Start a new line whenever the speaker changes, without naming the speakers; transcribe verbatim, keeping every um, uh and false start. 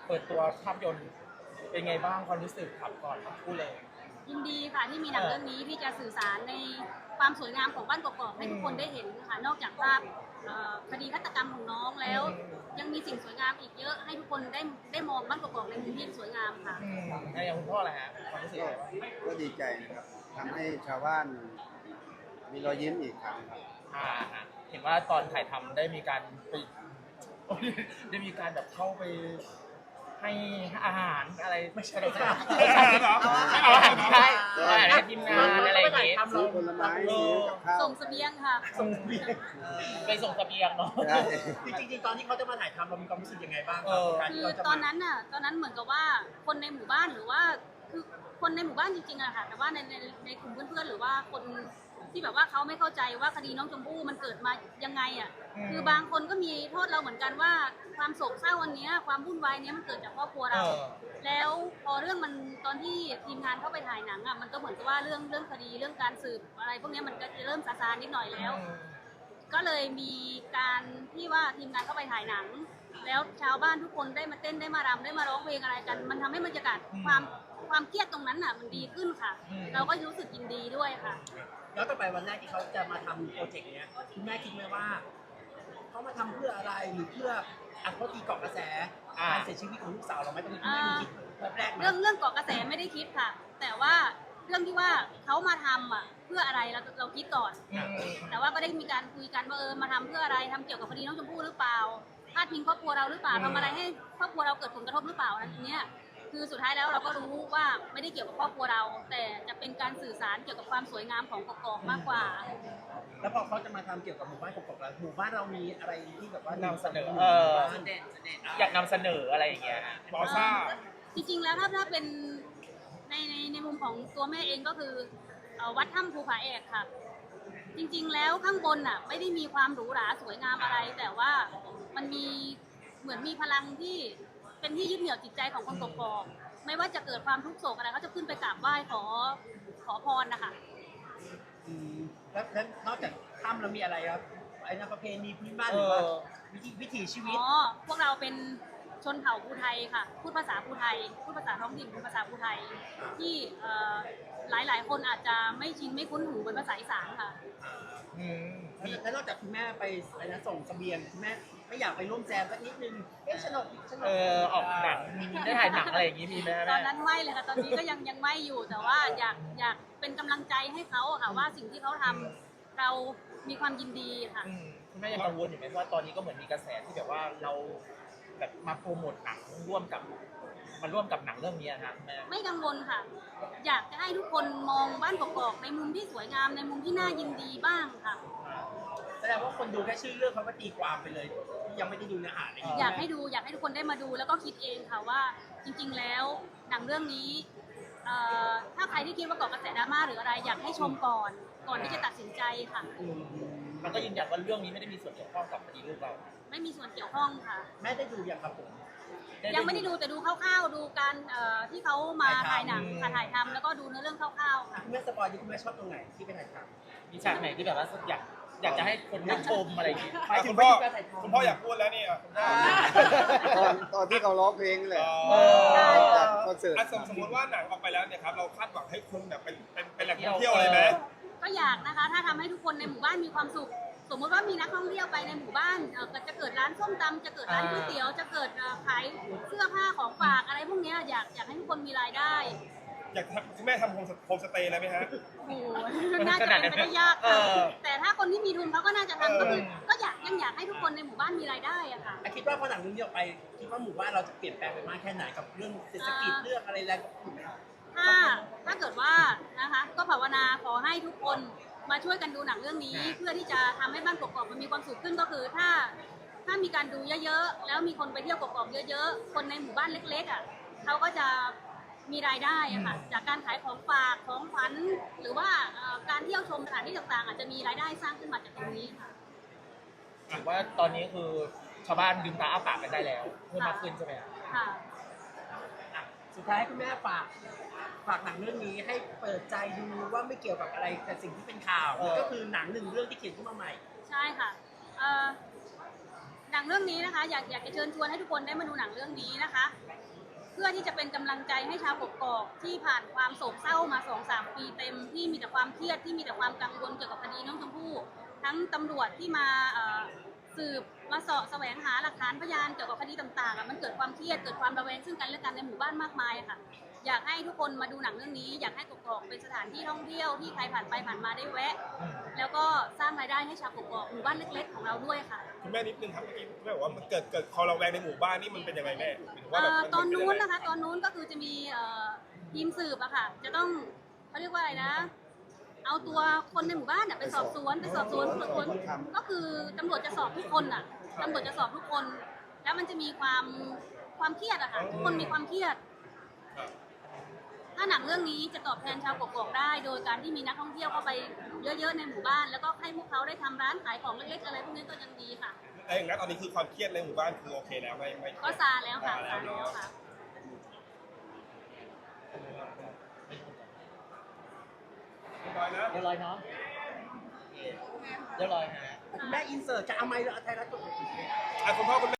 เปิดตัวภาพยนตร์เป็นไงบ้างความรู้สึกครับก่อนพูดเลย
ยินดีค่ะที่มีหนังเรื่องนี้ที่จะสื่อสารในความสวยงามของบ้านกอกๆให้ทุกคนได้เห็นค่ะนอกจากภาพคดีฆาตกรรมของน้องแล้ว ยังมีสิ่งสวยงามอีกเยอะให้ทุกคนได้ได้มองบ้านกอกๆในมุมที่สวยงามค่ะ
ในอย่างคุณพ่ออะไรฮะความรู้สึก
ก็ดีใจนะครับทำให้ชาวบ้านมีรอยยิ้มอีกครั้งครับ
เห็นว่าตอนถ่ายทำได้มีการไปได้มีการแบบเข้าไปให้อาหารอะไรไม่ใช่ไม่ใช่เอาอาหารใช่อาหารให้ทีมงานอะไรอย่างเงี้ย
ซื้อผลไม้ซื้อกับข้าว
ส่งเสบียงค่ะ
ส่งเสบียงไปส่งเสบียงเนาะ
จริงๆตอนที่เขาจะมาถ่ายทำเรามีความรู้สึกยังไงบ้าง
คือตอนนั้นน่ะตอนนั้นเหมือนกับว่าคนในหมู่บ้านหรือว่าคือคนในหมู่บ้านจริงๆอะค่ะแต่ว่าในในในกลุ่มเพื่อนๆหรือว่าคนที่แบบว่าเขาไม่เข้าใจว่าคดีน้องชมพู่มันเกิดมายังไงอ่ะคือบางคนก็มีโทษเราเหมือนกันว่าความโศกเศร้าวันนี้ความวุ่นวายนี้มันเกิดจากครอบครัวเราแล้วพอเรื่องมันตอนที่ทีมงานเข้าไปถ่ายหนังอ่ะมันก็เหมือนกับว่าเรื่องเรื่องคดีเรื่องการสืบอะไรพวกนี้มันก็จะเริ่มซาซานิดหน่อยแล้วก็เลยมีการที่ว่าทีมงานเข้าไปถ่ายหนังแล้วชาวบ้านทุกคนได้มาเต้นได้มารำได้มาร้องเพลงอะไรกันมันทำให้บรรยากาศความความเครียดตรงนั้นอ่ะมันดีขึ้นค่ะเราก็รู้สึกยินดีด้วยค่ะ
แล้วต่อไปวันแรกที่เขาจะมาทำโปรเจกต์เนี้ยคุณแม่คิดไหมว่าเขามาทำเพื่ออะไรหรือเพื่ออัดเขาตีเกาะกระแสการเสียชีวิตของลูกสาวเราไหมตอนนี้คุณแม่มีคิดแบบแรก
เรื่องเรื่องเกาะกระแสไม่ได้คิดค่ะแต่ว่าเรื่องที่ว่าเขามาทำอ่ะเพื่ออะไรเราเราคิดก่อนแต่ว่าก็ได้มีการคุยกันว่าเออมาทำเพื่ออะไรทำเกี่ยวกับคดีน้องชมพู่หรือเปล่าพาดพิงครอบครัวเราหรือเปล่าทำอะไรให้ครอบครัวเราเกิดผลกระทบหรือเปล่าอันนี้คือสุดท้ายแล้วเราก็รู้ว่าไม่ได้เกี่ยวกับครอบครัวเราแต่จะเป็นการสื่อสารเกี่ยวกับความสวยงามของกอกๆมากกว่า
แล้วพอเขาจะมาทำเกี่ยวกับหมู่บ้านกอกๆแล้วหมู่บ้านเรามีอะไรที่แบบว่าน
ำเสนอเอออยากนำเสนออะไรอย่างเงี้ยบอซ่า
จริงๆแล้วถ้าถ้าเป็นในในในมุมของตัวแม่เองก็คือวัดถ้ำภูผาแอกค่ะจริงๆแล้วข้างบนน่ะไม่ได้มีความหรูหราสวยงามอะไร แต่ว่ามันมีเหมือนมีพลังที่เป็นที่ยึดเหนี่ยวจิตใจของคนกกอกไม่ว่าจะเกิดความทุกข์โศกอะไรเขาจะขึ้นไปกราบไหว้ขอขอพรนะคะ
แล้วนอกจากถ้ำเรามีอะไรครับไอ้นั่นประเพณีพื้นบ้านหรือว่าวิถีวิถีชีวิต
อ๋อพวกเราเป็นชนเผ่าภูไทยค่ะพูดภาษาภูไทยพูดภาษาท้องถิ่นเป็นภาษาภูไทยที่หลายหลายคนอาจจะไม่ชินไม่คุ้นหูเป็นภาษาอีสานค่ะ
แล้วนอกจากคุณแม่ไปอะไรนะส่งเสบียงคุณแม่ไม่อยากไปร่วมแจมสักนิดนึงเอ๊ะสนุกสนุก
เออออกหนังได้ถ่ายหนังอะไรอย่างงี้มีไหม
ตอนนั้นไม่เลยค่ะตอนนี้ก็ยังยังไม่อยู่แต่ว่าอยากอยากเป็นกำลังใจให้เขาค่ะว่าสิ่งที่เขาทำเรามีความยินดีค่ะ
คุณแม่ยังกังวลอยู่ไหมว่าตอนนี้ก็เหมือนมีกระแสที่แบบว่าเราแบบมาโปรโมทหนังร่วมกับมาร่วมกับหนังเรื่องนี้นะแม่
ไม่กังวลค่ะอยากจะให้ทุกคนมองบ้านกอกๆในมุมที่สวยงามในมุมที่น่ายินดีบ้างค่ะ
แสดงว่าคนดูแค่ชื่อเรื่องเขาก็ตีความไปเลยยังไม่ได้ดูเนื้อหาเลย
อยากให้ดูอยากให้ทุกคนได้มาดูแล้วก็คิดเองค่ะว่าจริงๆแล้วหนังเรื่องนี้ถ้าใครที่คิดว่าเกาะกระแสดราม่าหรืออะไรอยากให้ชมก่อนก่อนที่จะตัดสินใจค่ะ
มันก็ยืนยันว่าเรื่องนี้ไม่ได้มีส่วนเกี่ยวข้องกับคดีลูกเรา
ไม่มีส่วนเกี่ยวข้องค่ะ
แม่ได้ดูอย่างครับผม
ยังไม่ได้ดูแต่ดูคร่าวๆดูการที่เขามาถ่ายหนังถ่ายทำแล้วก็ดูเนื้อเรื่องคร่าวๆค่ะ
คุณแม่สปอยคุณแม่ชอบตรงไหนที่ไปถ่ายท
ำมีฉากไหนที่แบบว่าอยากอยากจะให้คนได้ชมอะไรอย่างงี้
คุณพ่อคุณพ่ออยากพูดแล้วนี่
ตอนตอนที่เขาร้องเพลงเลยคอนเสิร์ต
สมมติว่าหนังออกไปแล้วเนี่ยครับเราคาดหวังให้คนแบบเป็นเป็นเป็นแหล่งท่องเที่ยวเลยไหม
ก็อยากนะคะถ้าทำให้ทุกคนในหมู่บ้านมีความสุขสมมติว่ามีนักท่องเที่ยวไปในหมู่บ้านจะเกิดร้านส้มตำจะเกิดร้านก๋วยเตี๋ยวจะเกิดขายเสื้อผ้าของฝากอะไรพวกนี้อยากอยากให้ทุกคนมีรายได้
อยากคุณแม่ทำโฮมสเตย์เลยไหมฮะ
โอ้น่าจะเป็นไปได้ยากค่ะแต่ถ้าคนที่มีทุนเขาก็น่าจะทำก็คือก็อยากยังอยากให้ทุกคนในหมู่บ้านมีรายได้อะค่ะ
คิดว่าพอหนังเรื่องนี้ออกไปคิดว่าหมู่บ้านเราจะเปลี่ยนแปลงไปมากแค่ไหนกับเรื่องเศรษฐกิจเรื่องอะไรแล้ว
ถ้าถ้าเกิดว่านะคะก็ภาวนาขอให้ทุกคนมาช่วยกันดูหนังเรื่องนี้เพื่อที่จะทำให้บ้านกอกๆมันมีความสุขขึ้นก็คือถ้าถ้ามีการดูเยอะๆแล้วมีคนไปเที่ยวกอกๆเยอะๆคนในหมู่บ้านเล็กๆอ่ะเขาก็จะมีรายได้อะค่ะจากการขายของฝากของขวัญหรือว่าการเที่ยวชมสถานที่ต่างๆอาจจะมีรายได้สร้างขึ้นมาจากตรงนี้ค่ะ
ถือว่าตอนนี้คือชาวบ้านลืมตาอ้าปากกันได้แล้วเพิ่มมากขึ้นใช่ไหม
ค่ะ
สุดท้ายคุณแม่ฝากฝากหนังเรื่องนี้ให้เปิดใจดูว่าไม่เกี่ยวกับอะไรแต่สิ่งที่เป็นข่าวก็คือหนังหนึ่งเรื่องที่เขียนขึ้นมาใหม่
ใช่ค่ะหนังเรื่องนี้นะคะอยากอยากจะเชิญชวนให้ทุกคนได้มาดูหนังเรื่องนี้นะคะพื่อที่จะเป็นกำลังใจให้ชาวกกอกที่ผ่านความโศกเศร้ามาสองสามปีเต็มที่มีแต่ความเครียดที่มีแต่ความกังวลเกี่ยวกับคดีน้องชมพู่ทั้งตำรวจที่มาเอ่อสืบมาเสาะแสวงหาหลักฐานพยานเกี่ยวกับคดีต่างๆอะมันเกิดความเครียดเกิดความระแวงซึ่งกันและกันในหมู่บ้านมากมายค่ะ อยากให้ทุกคนมาดูหนังเรื่องนี้ อยากให้กกอกเป็นสถานที่ท่องเที่ยวที่ใครผ่านไปผ่านมาได้แวะ แล้วก็สร้างรายได้ให้ชาวกกอกหมู่บ้านเล็กๆของเราด้วยค่ะ
คุณแม่นิดนึงครับเมื่อกี้แม่บอกว่ามันเกิดเกิดคอระแวงในหมู่บ้านนี่มันเป็นยังไงแม่หมายถึงว่า
เอ่
แบบ
อ
มั
ตอนนู้น
เป็ยังไง
นะคะตอนนู้นก็คือจะมีเอ่อทีมสืบอะค่ะ จะต้องเขาเรียกว่าอะไรนะ เอาตัวคนในหมู่บ้านอะไปสอบสวนไปสอบสวนสอบสวนก็คือตำรวจจะสอบทุกคนอะตำรวจจะสอบทุกคน แล้วมันจะมีความความเครียดอะค่ะทุกคนมีความเครียด
ครับ
ถ้าหนังเรื่องนี้จะตอบแทนชาวกกอกได้ โดยการที่มีนักท่องเที่ยวเข้าไปเยอะๆในหมู่บ้าน แล้วก็ให้พวกเขาได้ทำร้านขายของเล็กๆอะไรพวกนี้ก็ยังดีค่ะ
ไอ้อย่างนั้นตอนนี้คือความเครียดในหมู่บ้านคือโอเคแล้วไม่ไม่
ก็ซาแล้วค่ะซาแล้วค่ะ
เรียบร้อยนะ
เรียบร้อยเนาะเรียบร้อยฮะ
คุณแม่อินเสิร์ตจะเอาไมค์หรือเอาไทยรัฐกด
อ่ะคุณพ่อคุณแม่